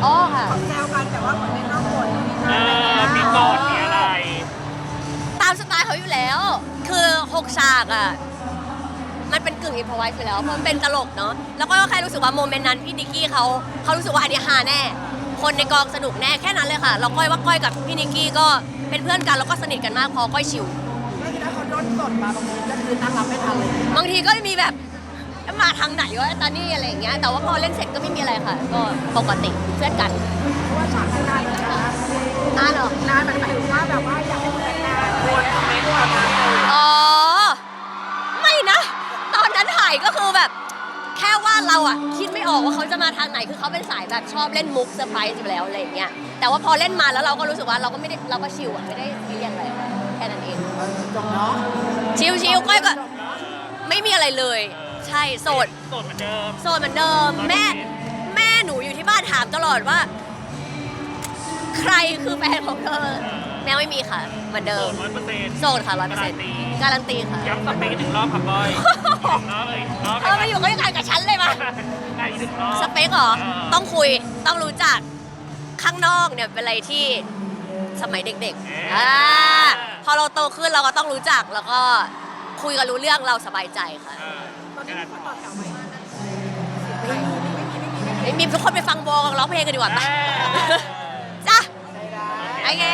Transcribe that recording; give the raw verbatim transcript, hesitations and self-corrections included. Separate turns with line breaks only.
อ๋อค่ะ
แซวกันแต่ว่าเหมือนในนอกบท
เออมีกอดมีอะไร
ตามสไตล์เขาอยู่แล้ว คือหกฉากอ่ะ มันเป็นกึ่งอินพอไวส์อยู่แล้ว เพราะมันเป็นตลกเนาะ แล้วก็แค่รู้สึกว่าโมเมนต์นั้นพี่นิกกี้เขาเขารู้สึกว่าอันนี้ฮาแน่ คนในกองสนุกแน่แค่นั้นเลยค่ะ เราก้อยว่าก้อยกับพี่นิกกี้ก็เป็นเพื่อนกันแล้วก็สนิทกันมากพอก้อยชิว
ไม่คิดว่าเขาโดนสดมาบางทีก็คือตั้งรับไม่ทันเลย
บางทีก็มีแบบมาทางไหนวะตอนนี้อะไรอย่างเงี้ย แต่ว่าพอเล่นเสร็จก็ไม่มีอะไรค่ะ ก็ปกติเพื่อนกัน
เพราะว่าฉากนานเลยนะ
นานเหรอ
นานหมายถึงว่าแบบว่าอยากให้มันแต่งงานวนคอมเมนต์ว่ามา
อ๋อ ไม่นะ ตอนนั้นถ่ายก็คือแบบ แค่ว่าเราอะคิดไม่ออกว่าเขาจะมาทางไหนคือเขาเป็นสายแบบชอบเล่นมุกเซอร์ไพรส์อยู่แล้วอะไรอย่างเงี้ยแต่ว่าพอเล่นมาแล้วเราก็รู้สึกว่าเราก็ไม่ได้เราก็ชิลอะไม่ได้ซีเรียสอะไรแค่นั้นเอง
จบเนาะ
ชิลชิลก้อยก็ไม่มีอะไรเลย ใช่โสด
โสดเหมือนเดิม
โสดเหมือนเดิม แม่แม่หนูอยู่ที่บ้านถามตลอดว่า ใครคือแฟนของเธอแม่ไม่มีค่ะเหมือนเดิ
โส
ม
ดร้อยเปอร์เซ็นต์
โสดค่ะร้อยเปอร์เซ็นต์การันตีค่ะ
ย้ำสเปคหนึ่งรอบครับบอยรอบเลยรอบ
เออมาอยู่ใกล้ๆกับฉันเลยมา
ได้อีกหนึ่งรอบ
สเปคเหรอ
เออ
ต้องคุย ต้องรู้จัก ข้างนอกเนี่ยเป็นอะไรที่สมัยเด็กๆอ่าพอเราโตขึ้นเราก็ต้องรู้จักแล้วก็คุยกันรู้เรื่องเราสบายใจค่ะ
เออ
ตอนนี้มีคนต่อแถวไหม
ไม่มีทุกคนไปฟังวงร้องเพลงกันดีกว่าปะ
เออ
จ้ะ
ได้ได้
โอเค